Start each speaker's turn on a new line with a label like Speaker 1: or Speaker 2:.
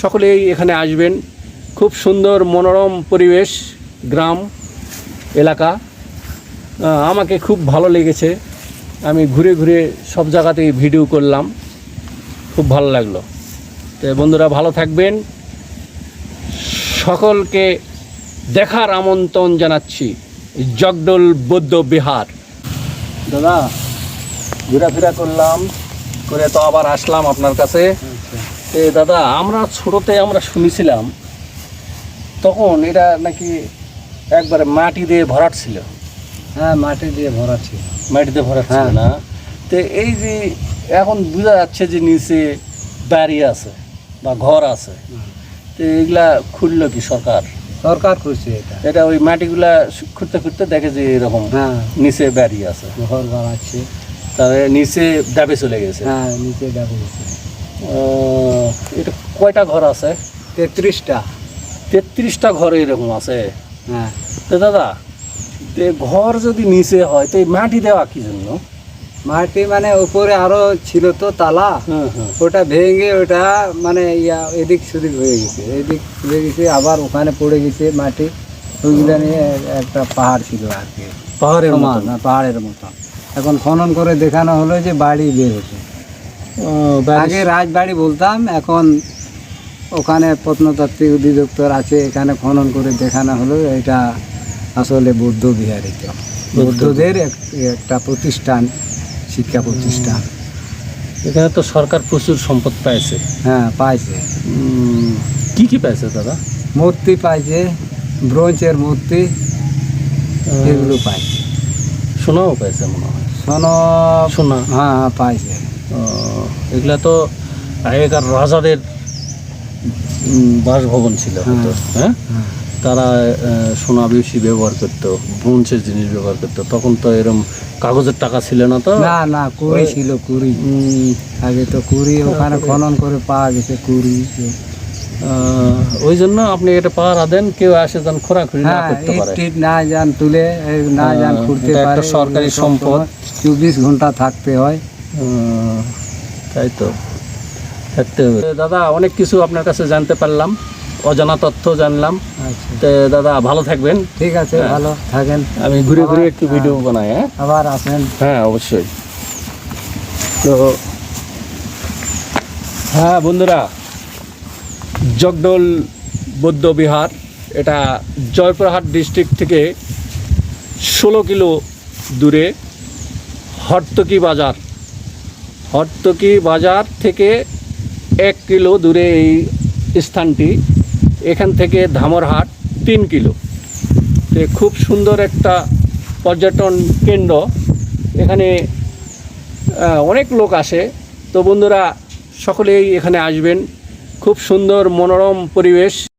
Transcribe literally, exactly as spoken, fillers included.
Speaker 1: সকলেই এখানে আসবেন। খুব সুন্দর মনোরম পরিবেশ, গ্রাম এলাকা। আমাকে খুব ভালো লেগেছে। আমি ঘুরে ঘুরে সব জায়গাতেই ভিডিও করলাম, খুব ভালো লাগলো। তো বন্ধুরা ভালো থাকবেন, সকলকে দেখার আমন্ত্রণ জানাচ্ছি জগডোল বৌদ্ধ বিহার। দাদা ঘোরাফেরা করলাম করে তো আবার আসলাম আপনার কাছে। তো দাদা আমরা ছোটোতে আমরা শুনেছিলাম তখন এটা নাকি একবারে মাটি দিয়ে ভরাট ছিল।
Speaker 2: হ্যাঁ, মাটি দিয়ে ভরা ছিল।
Speaker 1: মাটিতে ভরাট ছিল না? তো এই যে এখন বোঝা যাচ্ছে যে নিচে বাড়ি আছে বা ঘর আছে, তো এগুলা খুললো কি সরকার?
Speaker 2: সরকার করছে এটা
Speaker 1: এটা ওই মাটিগুলা খুঁড়তে খুঁড়তে দেখে যে এরকম
Speaker 2: হ্যাঁ
Speaker 1: নিচে বাড়ি আছে,
Speaker 2: ঘর বানাচ্ছে।
Speaker 1: তাহলে নিচে ডাবে চলে গেছে।
Speaker 2: হ্যাঁ, নিচে ডাবে গেছে।
Speaker 1: এটা কয়টা ঘর আছে?
Speaker 2: তেত্রিশটা
Speaker 1: তেত্রিশটা ঘর এরকম আছে।
Speaker 2: হ্যাঁ।
Speaker 1: তো দাদা তো ঘর যদি নিচে হয় তো এই মাটি দেওয়া কি জন্য?
Speaker 2: মাটি মানে উপরে আরো ছিল তো তালা,
Speaker 1: হুম হুম
Speaker 2: ওটা ভেঙে ওটা মানে ইয়া এদিক সেদিক হয়ে গেছে, এদিক হয়ে গেছে, আবার ওখানে পড়ে গেছে মাটি। ওইগুলো নিয়ে একটা পাহাড় ছিল আর কি,
Speaker 1: পাহাড়ের
Speaker 2: সমান,
Speaker 1: মতন।
Speaker 2: না, পাহাড়ের মতন। এখন খনন করে দেখানো হলো যে বাড়ি বের হচ্ছে। আগে রাজবাড়ি বলতাম, এখন ওখানে প্রত্নতাত্ত্বিক অধিদপ্তর আছে, এখানে খনন করে দেখানো হলো এটা আসলে বৌদ্ধ বিহার। এটা বৌদ্ধদের একটা প্রতিষ্ঠান, শিক্ষা প্রতিষ্ঠান।
Speaker 1: এখানে তো সরকার প্রচুর সম্পদ পাইছে।
Speaker 2: হ্যাঁ, পাইছে।
Speaker 1: কি কি পাইছে দাদা?
Speaker 2: মূর্তি পাইছে, ব্রোঞ্জের মূর্তি, এগুলো পাইছে।
Speaker 1: সোনাও পাইছে মনে হয়।
Speaker 2: সোনা,
Speaker 1: সোনা
Speaker 2: হ্যাঁ হ্যাঁ পাইছে।
Speaker 1: এগুলা তো আগেকার রাজাদের বাসভবন ছিল হয়তো, হ্যাঁ? তারা সোনা বেশি ব্যবহার করতো, ব্রোঞ্জের জিনিস ব্যবহার করতো। তখন তো এরকম কাগজের টাকা ছিল না তো।
Speaker 2: না না, কুড়ি ছিল, কুড়ি। আগে তো কুড়ি ওখানে খনন করে পাওয়া গেছে, কুড়ি।
Speaker 1: ওই জন্য আপনি এটা পাহারা দেন, কেউ আসে যান খোরাখুরি না করতে পারে,
Speaker 2: ইট না যান তুলে, না যান খুঁড়তে পারে।
Speaker 1: একটা সরকারি সম্পদ,
Speaker 2: চব্বিশ ঘন্টা থাকতে হয়।
Speaker 1: তাই তো থাকতে হবে। দাদা অনেক কিছু আপনার কাছে জানতে পারলাম, অজানা তথ্য জানলাম। তো দাদা ভালো থাকবেন।
Speaker 2: ঠিক আছে, ভালো থাকেন।
Speaker 1: আমি ঘুরে ঘুরে একটু ভিডিও বানাই। হ্যাঁ,
Speaker 2: আবার আসেন।
Speaker 1: হ্যাঁ অবশ্যই। তো হ্যাঁ বন্ধুরা, জগডোল বৌদ্ধ বিহার এটা জয়পুরহাট ডিস্ট্রিক্ট থেকে ষোলো কিলো দূরে হর্তকি বাজার, হর্তকি বাজার থেকে এক কিলো দূরে এই স্থানটি। এখান থেকে ধামরহাট তিন কিলো। তো খুব সুন্দর একটা পর্যটন কেন্দ্র, এখানে অনেক লোক আসে। তো বন্ধুরা সকলেই এখানে আসবেন, খুব সুন্দর মনোরম পরিবেশ।